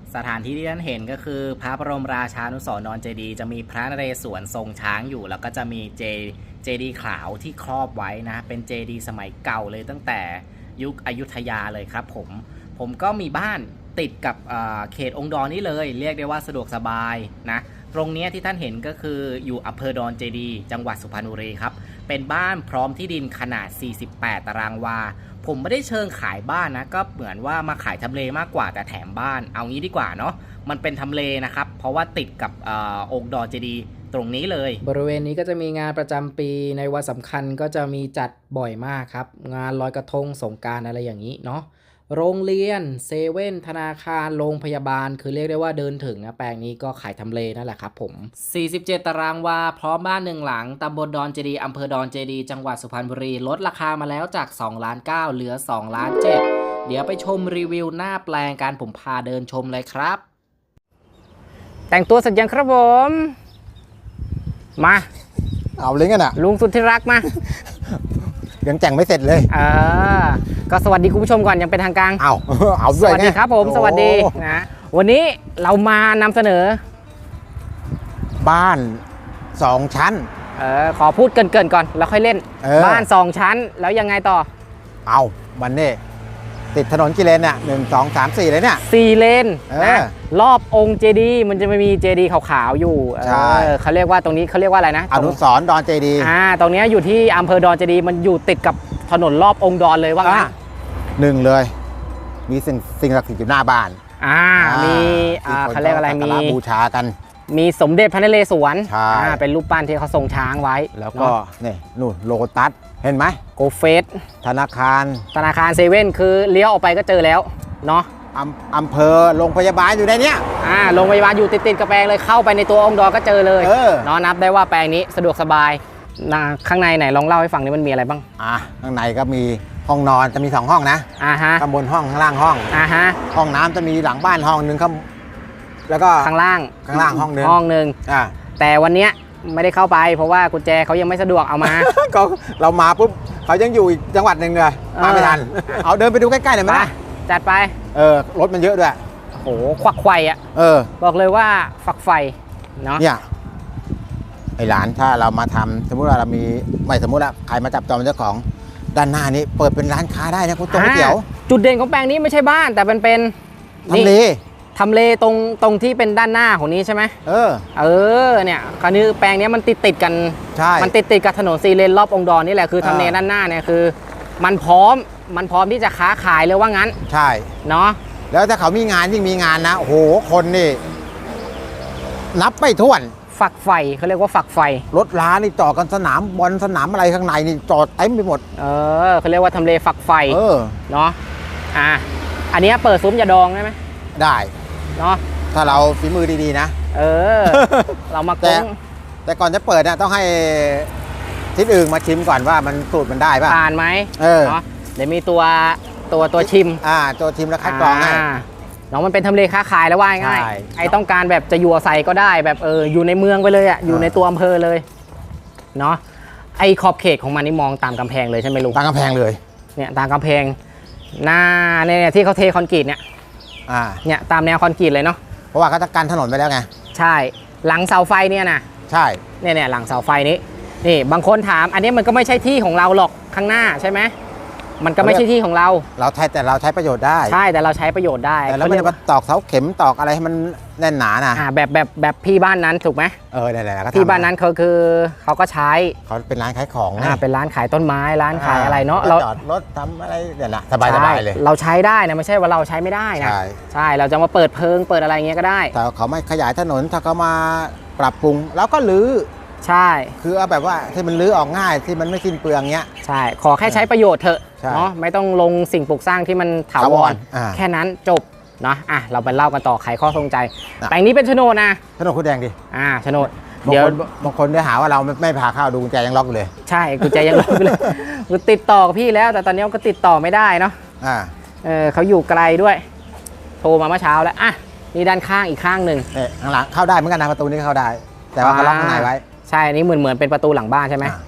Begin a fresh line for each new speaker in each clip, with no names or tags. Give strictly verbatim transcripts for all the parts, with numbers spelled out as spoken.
สถานที่ที่ท่านเห็นก็คือพระบรมราชานุสรณ์ดอนเจดีย์จะมีพระนเรศวรทรงช้างอยู่แล้วก็จะมีเจเจดีย์ขาวที่ครอบไว้นะเป็นเจดีย์สมัยเก่าเลยตั้งแต่ยุคอยุธยาเลยครับผมผมก็มีบ้านติดกับเขตองค์ดอนนี่เลยเรียกได้ว่าสะดวกสบายนะตรงนี้ที่ท่านเห็นก็คืออยู่อำเภอดอนเจดีย์จังหวัดสุพรรณบุรีครับเป็นบ้านพร้อมที่ดินขนาดสี่สิบแปดตารางวาผมไม่ได้เชิงขายบ้านนะก็เหมือนว่ามาขายทำเลมากกว่าแต่แถมบ้านเอางี้ดีกว่าเนาะมันเป็นทำเลนะครับเพราะว่าติดกับอองค์ดอนเจดีย์ตรงนี้เลยบริเวณนี้ก็จะมีงานประจำปีในวันสำคัญก็จะมีจัดบ่อยมากครับงานลอยกระทงสงกรานต์อะไรอย่างนี้เนาะโรงเรียนเซเว่นธนาคารโรงพยาบาลคือเรียกได้ว่าเดินถึงนะแปลงนี้ก็ขายทำเลนั่นแหละครับผมสี่สิบเจ็ดตารางวาพร้อมบ้านหนึ่งหลังตำบลดอนเจดีย์อำเภอดอนเจดีย์จังหวัดสุพรรณบุรีลดราคามาแล้วจากสองล้านเก้าเหลือสองล้านเจ็ดเดี๋ยวไปชมรีวิวหน้าแปลงการผมพาเดินชมเลยครับแต่งตัวเสร็จยังครับผมมา
เอาเลยกันอ่ะ
ลุงสุดที่รักมา
ยังแต่งไม่เสร็จเลย
เออก็สวัสดีคุณผู้ชมก่อนยังเป็นทางการ
เอาเอาด้วย
สวัสดีครับผมสวัสดีนะวันนี้เรามานำเสนอ
บ้านสองชั้น
เออขอพูดเกินๆก่อนแล้วค่อยเล่นบ้านสองชั้นแล้วยังไงต่อ
เอาวันนี้ติดถนนกี่เลนเนี่ยหนึ่งสองสามสี่เลยเนี่ย
สี่เลนนะรอบองค์เจดีย์มันจะไม่มีเจดีย์ขาวๆอยู่ใช่เขาเรียกว่าตรงนี้เขาเรียกว่าอะไรนะ
อนุสรณ์ดอนเจดีย์
อ่าตรงนี้อยู่ที่อำเภอดอนเจดีย์มันอยู่ติดกับถนนรอบองค์ดอนเลยว่างั้น
หนึ่งเลยมีสิ่งสิ่งศักดิ์สิทธิ์อยู่หน้าบ้าน
อ่ามีอ่าเขาเรียกอะไรมี
บูชากัน
มีสมเด็จพระนเรศวร
ใช่
เป็นรูปปั้นที่เขาทรงช้างไว้
แล้วก็นี่นู่นโลตัสเห็นไหม
โกเฟส
ธนาคาร
ธนาคารเซเว่นคือเลี้ยวออกไปก็เจอแล้วเนาะ
อำอำเภอโรงพยาบาลอยู่ในเนี้ย
อ่าโรงพยาบาลอยู่ติดๆกับแปลงเลยเข้าไปในตัวองค์ดอนก็เจอเลยเนาะนับได้ว่าแปลงนี้สะดวกสบายนะข้างในไหนลองเล่าให้ฟังนี่มันมีอะไรบ้าง
อ่าข้างในก็มีห้องนอนจะมีสองห้องนะ
อ่าฮะ
ข้างบนห้องข้างล่างห้อง
อ่าฮะ
ห้องน้ำจะมีหลังบ้านห้องนึงครับแล้วก็
ข้างล่าง
ข้างล่างห้องนึง
ห้องนึง
อ่า
แต่วันนี้ไม่ได้เข้าไปเพราะว่ากุญแจเขายังไม่สะดวกเอามา
ก็เรามาปุ๊บเขายังอยู่อีกจังหวัดหนึ่งเลยมาไม่ทันเอาเดินไปดูใกล้ๆหน่อยไหม
จัดไป
เออรถมันเยอะด้วย
โอ้โหควักไขว่อ่ะ
เออ
บอกเลยว่าฝักไฟเนาะ
เนี่ยไอหลานถ้าเรามาทำสมมุติว่าเรามีไม่สมมุติว่าใครมาจับจองเจ้าของด้านหน้านี้เปิดเป็นร้านค้าได้นะคุณตรงเตี๋ยว
จุดเด่นของแปลงนี้ไม่ใช่บ้านแต่เป็นเป็น
ทำเล
ทำเลตรงตรงที่เป็นด้านหน้าของนี้ใช่ไหม
เออ
เออเนี่ยคราวนี้แปลงนี้มันติดติดกัน
ใช่
มันติดติดกับถนนซีเลนรอบองค์ดอนนี่แหละคือทำเลด้านหน้าเนี่ยคือมันพร้อมมันพร้อมที่จะค้าขายเลยว่างั้น
ใช่
เนาะ
แล้วถ้าเขามีงานยิ่งมีงานนะโอ้โหคนนี่นับไม่ถ้วน
ฝักไฟเขาเรียกว่าฝักไฟ
รถล้านี่จอดกันสนามบอลสนามอะไรข้างในนี่จอดเต็มไปหมด
เออเขาเรียกว่าทำเลฝักไฟ
เออ
เนาะอ่ะอันนี้เปิดซุ้มยาดองได้ไหม
ได้
เนาะ
ถ้าเราฝีมือดีๆนะ
เออเรามา
แต่แต่ก่อนจะเปิดเนี่ยต้องให้ทิศอื่นมาชิมก่อนว่ามันสูตรมันได้ป่ะ
ผ่านไหม
เออ
เนาะเดี๋ยวมีตัวตัวตัวชิม
อ่าตัวชิมแล้วคัดกรองให้
น้องมันเป็นทำเลค้าขายแล้วว่าง่ายไอ้ต้องการแบบจะอยู่อาศัยก็ได้แบบเอออยู่ในเมืองไปเลยอ่ะอยู่ในตัวอำเภอเลยเนาะไอ้ขอบเขตของมันนี่มองตามกำแพงเลยใช่ไหมลุง
ตามกำแพงเลย
เนี่ยตามกำแพงหน้าเนี่ยที่เขาเทคอนกรีตเนี่ย
อ่า
เนี่ยตามแนวคอนกรีตเลยเนาะ
เพราะว่าเขาจะกันถนนไปแล้วไง
ใช่หลังเสาไฟเนี่ยนะ
ใช่
เนี่ยเนี่ยหลังเสาไฟนี้นี่บางคนถามอันนี้มันก็ไม่ใช่ที่ของเราหรอกข้างหน้าใช่ไหมมันก็ไม่ใช่ที่ของเรา
เราใช้แต่เราใช้ประโยชน์ได้
ใช่แต่เราใช้ประโยชน์ได้
แต่เราไม่ได้มาตอกเสาเข็มตอกอะไรให้มันแน่นหนานะ
อ่าแบบแบบแบบพี่บ้านนั้นถูกไหม
เออได้ๆก็
พี่บ้านนั้นเขาคือเขาก็ใช้
เขาเป็นร้านขายของ
อ่าเป็นร้านขายต้นไม้ร้านขายอะไรเนาะเรา
จอดรถทำอะไรเนี่ยนะสบายสบายเลย
เราใช้ได้นะไม่ใช่ว่าเราใช้ไม่ได้นะ
ใช่
ใช่เราจะมาเปิดเพิงเปิดอะไรเงี้ยก็ได้
แต่เขาไม่ขยายถนนถ้าเขามาปรับปรุงแล้วก็รื้อ
ใช่
คือเอาแบบว่าที่มันรื้อออกง่ายที่มันไม่สิ้นเปลืองเงี้ย
ใช่ขอแค่ใช้ประโยชน์เถอะเนาะไม่ต้องลงสิ่งปลูกสร้างที่มันถาวรแค่นั้นจบเนาะอ่ะเราไปเล่ากันต่อไขข้อสงใจแปลงนี้เป็นโฉนดนะ
โฉนดคุณแดงดิ
อ่าโฉนด
เดี๋ยวบางคนได้หาว่าเราไม่พาเข้าดูกุญแจยังล็อกอยู่เลย
ใช่กุญแจยังล็อกอยู่เลยคือติดต่อกับพี่แล้วแต่ตอนนี้ก็ติดต่อไม่ได้เนาะ
อ่า
เออเขาอยู่ไกลด้วยโทรมาเมื่อเช้าแล้วอ่ะนี่ด้านข้างอีกข้างหนึ่ง
เอ๊ะข้างหลังเข้าได้เหมือนกันนะประตูนี้เข้าได้แต่ว่าเขาล็อกข้างในไว้
ใช่อันนี้เหมือนเหมือนเป็นประตูหลังบ้านใช่ไหม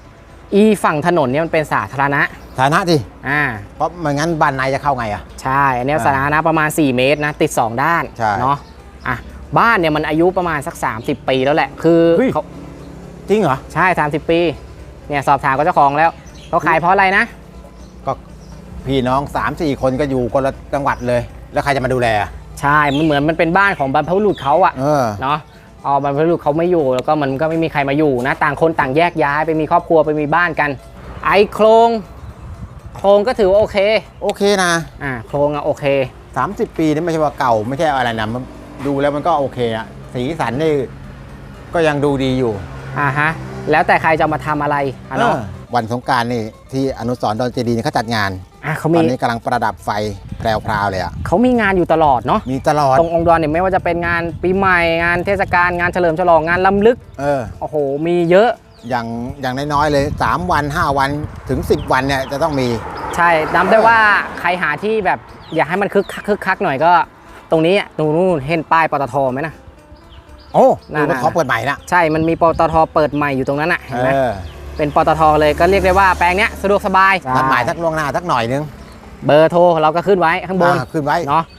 อีฝั่งถนนเนี่ยมันเป็นสาธารณะ
ฐานะดิ
อ่า
เพราะไม่งั้นบ้านในจะเข้าไงอ่ะ
ใช่อันเนี้ย
อ่า
สาธารณะประมาณสี่เมตรนะติดสองด้าน
ใช่
เนาะอ่ะบ้านเนี่ยมันอายุประมาณสักสามสิบปีแล้วแหละคือ
เฮ้ย
เขา
จริงเหรอ
ใช่สามสิบปีเนี่ยสอบถามกับเจ้าของแล้วเขาขายเพราะอะไรนะ
ก็พี่น้องสามสี่คนก็อยู่คนละจังหวัดเลย แล้วใครจะมาดูแลอ่ะ
ใช่มันเหมือนมันเป็นบ้านของบรรพบุรุษเขาอะ
เออ
เนาะอ๋อบรรพบุรุษเขาไม่อยู่แล้วก็มันก็ไม่มีใครมาอยู่นะต่างคนต่างแยกย้ายไปมีครอบครัวไปมีบ้านกัน ไอโครงโครงก็ถือว่าโอเค
โอเคนะ
อ่าโครงอะโอเค
สามสิบปีนี่ไม่ใช่ว่าเก่าไม่ใช่อะไรนะมันดูแล้วมันก็โอเคอะสีสันนี่ก็ยังดูดีอยู่
อ่าฮะแล้วแต่ใครจะมาทำอะไรอ่ะเนาะ
เออวันสงกรานต์นี่ที่อนุสรณ์ดอนเจดีย์นี่เขาจัดงาน
อ่ะเขา
ต
มี
อนนี้กำลังประดับไฟแพรวๆเลยอ่ะ
เขามีงานอยู่ตลอดเนาะ
มีตลอด
ตรงองค์ดอนเนี่ยไม่ว่าจะเป็นงานปีใหม่งานเทศกาลงานเฉลิมฉลองงานล้ำลึก
เออ
โอ้โหมีเยอะ
อย่างอย่างน้อยๆเลยสามวันห้าวันถึงสิบวันเนี่ยจะต้องมี
ใช่จำได้ว่าใครหาที่แบบอยากให้มันคึกคักคึกคักหน่อยก็ตรงนี้อะตรงนู้นเห็นป้ายปตทไหมนะ
โอ้
น่า
ดูว่าเขาเปิดใหม่ละ
ใช่มันมีปตทเปิดใหม่อยู่ตรงนั้นอ่ะเห็นไหม
เออ
เป็นปตทเลยก็เรียกได้ว่าแปลงเนี้ยสะดวกสบาย
นัดหมายสักล่วงหน้าสักหน่อยนึง
เบอร์โทรเราก็ขึ้นไว้ข้างบน
อ่าขึ้นไว้
เนาะ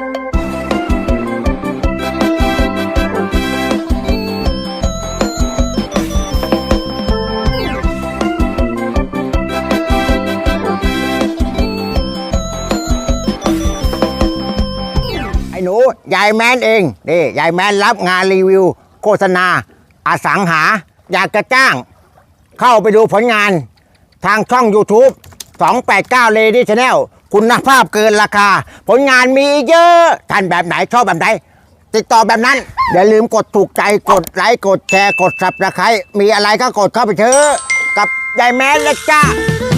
ไอ้หนูยายแมนเองนี่ยายแมนรับงานรีวิว โฆษณาอสังหา อยากจะจ้าง เข้าไปดูผลงานทางช่อง YouTube สองแปดเก้า Lady Channel คุณภาพเกินราคา ผลงานมีเยอะ ท่านแบบไหนชอบแบบไหน ติดต่อแบบนั้น อย่าลืมกดถูกใจกดไลค์กดแชร์กด Subscribe มีอะไรก็กดเข้าไปเถอะกับยายแมนเลยจ้า